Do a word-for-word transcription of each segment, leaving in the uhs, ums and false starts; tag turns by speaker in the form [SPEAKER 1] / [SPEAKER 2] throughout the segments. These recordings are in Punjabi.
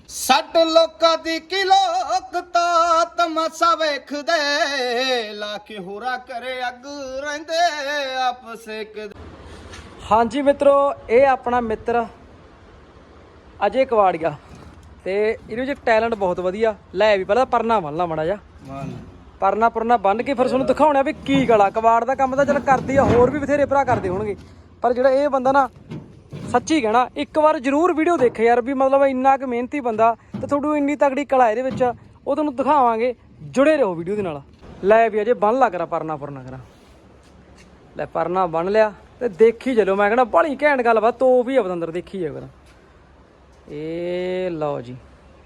[SPEAKER 1] ਸੱਟ ਲੋਕਾਂ ਦੀ ਕੀ ਲੋਕਤਾ ਤਮਾਸ਼ਾ ਵੇਖਦੇ ਲਾ ਕੇ ਹੋਰਾ ਕਰੇ ਅੱਗ ਰਹਿੰਦੇ ਆਪਸ ਇੱਕ।
[SPEAKER 2] ਹਾਂਜੀ ਮਿੱਤਰੋ, ਇਹ ਆਪਣਾ ਮਿੱਤਰ ਅਜੇ ਕਵਾੜੀਆ ਤੇ ਇਹਦੇ ਵਿੱਚ ਟੈਲੈਂਟ ਬਹੁਤ ਵਧੀਆ। ਲੈ ਵੀ ਪਹਿਲਾਂ ਪਰਨਾ ਬੰਨ ਲਾ ਮਾੜਾ ਜਾ, ਪਰਨਾ ਪੁਰਨਾ ਬੰਨ ਕੇ ਫਿਰ ਤੁਹਾਨੂੰ ਦਿਖਾਉਣਾ ਵੀ ਕੀ ਗਲਾ। ਕਵਾੜ ਦਾ ਕੰਮ ਤਾਂ ਚੱਲ ਕਰਦੀ ਆ, ਹੋਰ ਵੀ ਬਥੇਰੇ ਭਰਾ ਕਰਦੇ ਹੋਣਗੇ, ਪਰ ਜਿਹੜਾ ਇਹ ਬੰਦਾ ਨਾ ਸੱਚੀ ਕਹਿਣਾ ਇੱਕ ਵਾਰ ਜ਼ਰੂਰ ਵੀਡੀਓ ਦੇਖੇ ਯਾਰ, ਵੀ ਮਤਲਬ ਇੰਨਾ ਕੁ ਮਿਹਨਤੀ ਬੰਦਾ ਤੇ ਤੁਹਾਨੂੰ ਇੰਨੀ ਤਗੜੀ ਕਲਾ ਇਹਦੇ ਵਿੱਚ ਉਹ ਤੁਹਾਨੂੰ ਦਿਖਾਵਾਂਗੇ। ਜੁੜੇ ਰਹੋ ਵੀਡੀਓ ਦੇ ਨਾਲ। ਲੈ ਵੀ ਅਜੇ ਬੰਨ ਲਾ ਕਰਾ ਪਰਨਾ ਪੁਰਨਾ ਕਰਾ। ਲੈ ਪਰਨਾ ਬੰਨ ਲਿਆ ਤੇ ਦੇਖੀ ਚਲੋ, ਮੈਂ ਕਹਿੰਦਾ ਬੜੀ ਘੈਂਟ ਗੱਲ ਵਾ। ਤੋ ਵੀ ਆ ਬਤੰਦਰ, ਦੇਖੀ ਜਾ ਕਰਾ। ਇਹ ਲਓ ਜੀ,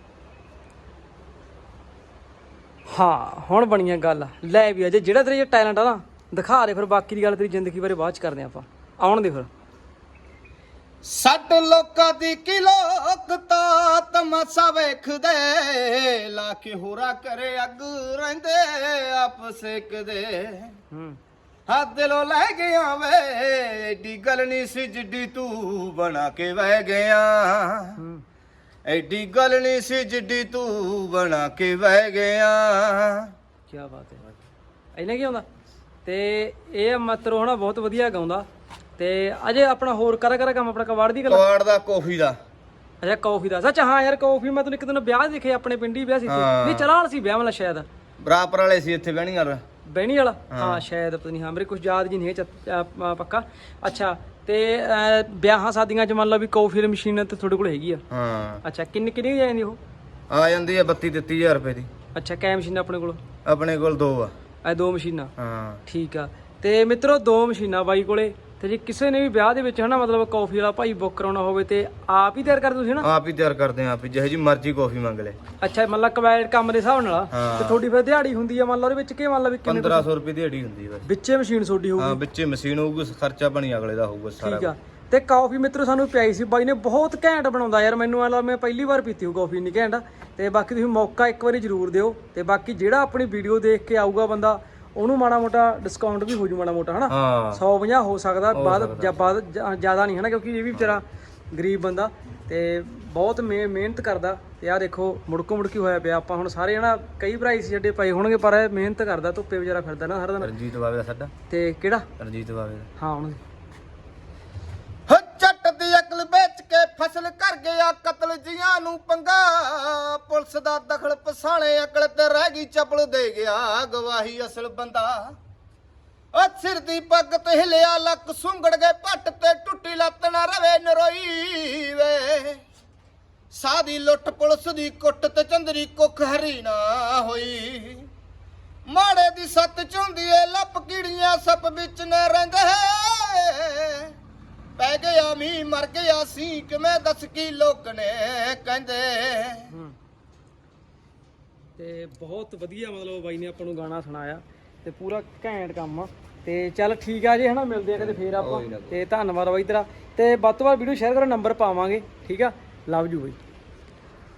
[SPEAKER 2] ਹਾਂ ਹੁਣ ਬਣੀਆਂ ਗੱਲ। ਲੈ ਵੀ ਅਜੇ ਜਿਹੜਾ ਤੇਰੇ ਟੈਲੈਂਟ ਆ ਨਾ ਦਿਖਾ ਦੇ, ਫਿਰ ਬਾਕੀ ਦੀ ਗੱਲ ਤੇਰੀ ਜ਼ਿੰਦਗੀ ਬਾਰੇ ਬਾਅਦ ਚ ਕਰਦੇ ਆਪਾਂ। ਆਉਣ ਦੇ ਫਿਰ।
[SPEAKER 1] ਸੱਟ ਲੋਕਾਂ ਦੀ ਕੀ ਲੋਕਤਾ ਤਮਾਸ਼ਾ ਵੇਖਦੇ ਲਾ ਕੇ ਹੋਰਾ ਕਰੇ ਅੱਗ ਰਹਿੰਦੇ ਆਪਸ ਇੱਕ ਦੇ।
[SPEAKER 2] ਹੂੰ
[SPEAKER 1] ਹਾਂ ਦਿਲੋਂ ਲੈ ਗਿਆ ਵੇ ਏਡੀ ਗੱਲ ਨਹੀਂ ਸੀ ਜਿੱਡੀ ਤੂੰ ਬਣਾ ਕੇ ਵਹਿ ਗਿਆ।
[SPEAKER 2] ਹੂੰ
[SPEAKER 1] ਐਡੀ ਗੱਲ ਨਹੀਂ ਸੀ ਜਿੱਡੀ ਤੂੰ ਬਣਾ ਕੇ ਵਹਿ ਗਿਆ।
[SPEAKER 2] ਕੀ ਬਾਤ ਹੈ। ਇਹਨੇ ਕੀ ਆਉਂਦਾ ਤੇ ਇਹ ਮਤਰੋ ਹਨਾ ਬਹੁਤ ਵਧੀਆ ਗਾਉਂਦਾ। ਤੇ ਅਜੇ ਆਪਣਾ ਹੋਰ ਕਰਾ ਕਰਾ ਕੰਮ ਆਪਣਾ ਕਵਾੜ ਦੀ ਗੱਲ,
[SPEAKER 1] ਕਵਾੜ ਦਾ ਕਾਫੀ ਦਾ।
[SPEAKER 2] ਅੱਛਾ ਕੌਫੀ ਦਾ। ਸੱਚ ਹਾਂ ਯਾਰ ਕੌਫੀ ਮੈਂ ਤੈਨੂੰ ਇੱਕ ਦਿਨ ਵਿਆਹ ਦੇਖੇ, ਆਪਣੇ ਪਿੰਡ ਹੀ ਵਿਆਹ ਸੀ। ਨਹੀਂ ਚਲਾਲ ਸੀ ਵਿਆਹ ਵਾਲਾ ਸ਼ਾਇਦ,
[SPEAKER 1] ਬਰਾਬਰ ਵਾਲੇ ਸੀ ਇੱਥੇ ਬਹਿਣੀ ਵਾਲਾ
[SPEAKER 2] ਬਹਿਣੀ ਵਾਲਾ। ਹਾਂ ਸ਼ਾਇਦ, ਪਤਾ ਨਹੀਂ, ਹਾਂ ਮੇਰੇ ਕੁਝ ਯਾਦ ਜੀ ਨਹੀਂ ਹੈ ਪੱਕਾ। ਅੱਛਾ ਤੇ ਵਿਆਹਾਂ ਸ਼ਾਦੀਆਂ ਚ ਮੰਨ ਲਓ ਵੀ ਕੌਫੀ ਵਾਲੀ ਮਸ਼ੀਨ ਤੇ ਤੁਹਾਡੇ ਕੋਲ ਹੈਗੀ ਆ? ਹਾਂ। ਅੱਛਾ ਕਿੰਨੀ ਕਿੰਨੀ ਆ ਜਾਂਦੀ ਉਹ? ਆ
[SPEAKER 1] ਜਾਂਦੀ ਹੈ ਬੱਤੀ ਤੇਤੀ ਹਜ਼ਾਰ ਰੁਪਏ ਦੀ।
[SPEAKER 2] ਅੱਛਾ ਕੈ ਮਸ਼ੀਨਾਂ ਆਪਣੇ ਕੋਲ?
[SPEAKER 1] ਆਪਣੇ ਕੋਲ ਦੋ ਆ।
[SPEAKER 2] ਇਹ ਦੋ ਮਸ਼ੀਨਾਂ?
[SPEAKER 1] ਹਾਂ
[SPEAKER 2] ਠੀਕ ਆ। ਤੇ ਮਿੱਤਰੋ ਦੋ ਮਸ਼ੀਨਾਂ ਬਾਈ ਕੋਲੇ। ਤੇ ਜੇ ਕਿਸੇ ਨੇ ਵੀ ਵਿਆਹ ਦੇ ਵਿੱਚ ਹਨਾ ਮਤਲਬ ਕੌਫੀ ਵਾਲਾ ਭਾਈ ਬੁੱਕ ਕਰਾਉਣਾ ਹੋਵੇ ਤੇ ਆਪ ਹੀ ਤਿਆਰ ਕਰਦੇ ਤੁਸੀਂ ਨਾ?
[SPEAKER 1] ਆਪ ਹੀ ਤਿਆਰ ਕਰਦੇ ਆ, ਆਪ ਹੀ ਜਿਹੋ ਜੀ ਮਰਜ਼ੀ ਕਾਫੀ ਮੰਗ ਲੈ।
[SPEAKER 2] ਅੱਛਾ ਮਤਲਬ ਕਵੈਡ ਕੰਮ ਦੇ ਹਿਸਾਬ ਨਾਲ। ਤੇ ਤੁਹਾਡੀ ਫਿਰ ਦਿਹਾੜੀ ਹੁੰਦੀ ਆ ਮੰਨ ਲਓ ਉਹਦੇ ਵਿੱਚ ਕੀ ਮੰਨ ਲਓ ਵੀ
[SPEAKER 1] ਪੰਦਰਾਂ ਸੌ ਰੁਪਏ ਦਿਹਾੜੀ ਹੁੰਦੀ ਹੈ
[SPEAKER 2] ਵਿੱਚੇ ਮਸ਼ੀਨ ਤੁਹਾਡੀ ਹੋਊਗੀ?
[SPEAKER 1] ਹਾਂ ਵਿੱਚੇ ਮਸ਼ੀਨ ਹੋਊਗੀ, ਖਰਚਾ ਪਾਣੀ ਅਗਲੇ ਦਾ ਹੋਊਗਾ ਸਾਰਾ।
[SPEAKER 2] ਠੀਕ ਆ। ਤੇ ਕਾਫੀ ਮਿੱਤਰੋ ਸਾਨੂੰ ਪਿਆਈ ਸੀ ਬਾਈ ਨੇ, ਬਹੁਤ ਘੈਂਟ ਬਣਾਉਂਦਾ ਯਾਰ। ਮੈਨੂੰ ਐ ਮੈਂ ਪਹਿਲੀ ਵਾਰ ਪੀਤੀ ਹੋ ਕਾਫੀ ਇੰਨੀ ਘੈਂਟ। ਤੇ ਬਾਕੀ ਤੁਸੀਂ ਮੌਕਾ ਇੱਕ ਵਾਰੀ ਜ਼ਰੂਰ ਦਿਓ। ਤੇ ਬਾਕੀ ਜਿਹੜਾ ਆਪਣੀ ਵੀਡੀਓ ਦੇਖ ਕੇ ਆਊਗਾ ਬੰਦਾ ਉਹਨੂੰ ਮਾੜਾ ਮੋਟਾ ਡਿਸਕਾਊਂਟ ਵੀ ਹੋ ਜੂ ਮਾੜਾ ਮੋਟਾ ਹਨਾ। ਸੌ ਪੰਜਾਹ ਹੋ ਸਕਦਾ ਬਾਅਦ ਜਾਂ ਬਾਅਦ ਜ਼ਿਆਦਾ ਨਹੀਂ ਹਨਾ, ਕਿਉਂਕਿ ਇਹ ਵੀ ਵਿਚਾਰਾ ਗਰੀਬ ਬੰਦਾ ਤੇ ਬਹੁਤ ਮਿਹਨਤ ਕਰਦਾ। ਤੇ ਆਹ ਦੇਖੋ ਮੁੜਕੋ ਮੁੜਕੀ ਹੋਇਆ ਪਿਆ। ਆਪਾਂ ਹੁਣ ਸਾਰੇ ਹਨਾ ਕਈ ਭਰਾ ਸੀ ਛੱਡੇ ਪਏ ਹੋਣਗੇ, ਪਰ ਇਹ ਮਿਹਨਤ ਕਰਦਾ, ਧੁੱਪੇ ਵਿਚਾਰਾ ਫਿਰਦਾ ਨਾ ਸਾਰਾ ਦਿਨ।
[SPEAKER 1] ਰਣਜੀਤ ਬਾਵੇ ਦਾ ਸਾਡਾ।
[SPEAKER 2] ਤੇ ਕਿਹੜਾ
[SPEAKER 1] ਰਣਜੀਤ ਬਾਵੇ ਦਾ?
[SPEAKER 2] ਹਾਂ ਹੁਣ
[SPEAKER 1] ਜੱਟ ਦੀ ਅਕਲ ਵੇਚ ਕੇ ਫਸਲ ਕਰ ਗਿਆ ਕਤਲ ਜੀਆਂ ਨੂੰ ਪੰਗਾ। ਪੁਲਿਸ ਦਾ ਦਖਲ ਪਸਾਣੇ ਅਕਲ ਤੇ ਰਹਿ ਗਈ ਚਪਲ ਦੇ ਗਿਆ ਗਵਾਹੀ ਅਸਲ ਬੰਦਾ। ਉਹ ਸਿਰ ਦੀ ਪੱਗ ਤੇ ਹਿਲਿਆ ਲੱਕ ਸੁੰਗੜ ਗਏ ਪੱਟ ਤੇ ਟੁੱਟੀ ਲੱਤ ਨਾ ਰਵੇ ਨਰੋਈ ਵੇ। ਸਾਦੀ ਲੁੱਟ ਪੁਲਿਸ ਦੀ ਕੁੱਟ ਤੇ ਚੰਦਰੀ ਕੁੱਖ ਹਰੀ ਨਾ ਹੋਈ। ਮਾੜੇ ਦੀ ਸੱਤ ਚੁੰਦੀ ਏ ਲੱਪ ਕੀੜੀਆਂ ਸੱਪ ਵਿੱਚ ਨੇ ਰਹਿੰਦੇ। ਪੈ ਗਿਆ ਮੀਂਹ ਮਰ ਗਿਆ ਸੀ ਕਿਵੇਂ ਦੱਸ ਕੀ ਲੋਕ ਨੇ ਕਹਿੰਦੇ।
[SPEAKER 2] ਤੇ ਬਹੁਤ ਵਧੀਆ ਮਤਲਬ ਬਾਈ ਨੇ ਆਪਾਂ ਨੂੰ ਗਾਣਾ ਸੁਣਾਇਆ ਤੇ ਪੂਰਾ ਘੈਂਟ ਕੰਮ ਆ। ਤੇ ਚੱਲ ਠੀਕ ਆ ਜੀ ਹਨਾ, ਮਿਲਦੇ ਆ ਕਦੇ ਫੇਰ ਆਪਾਂ। ਤੇ ਧੰਨਵਾਦ ਬਾਈ ਤੇਰਾ। ਤੇ ਵੱਧ ਤੋਂ ਵੱਧ ਵੀਡੀਓ ਸ਼ੇਅਰ ਕਰੋ, ਨੰਬਰ ਪਾਵਾਂਗੇ। ਠੀਕ ਆ, ਲਵ ਯੂ ਬਾਈ।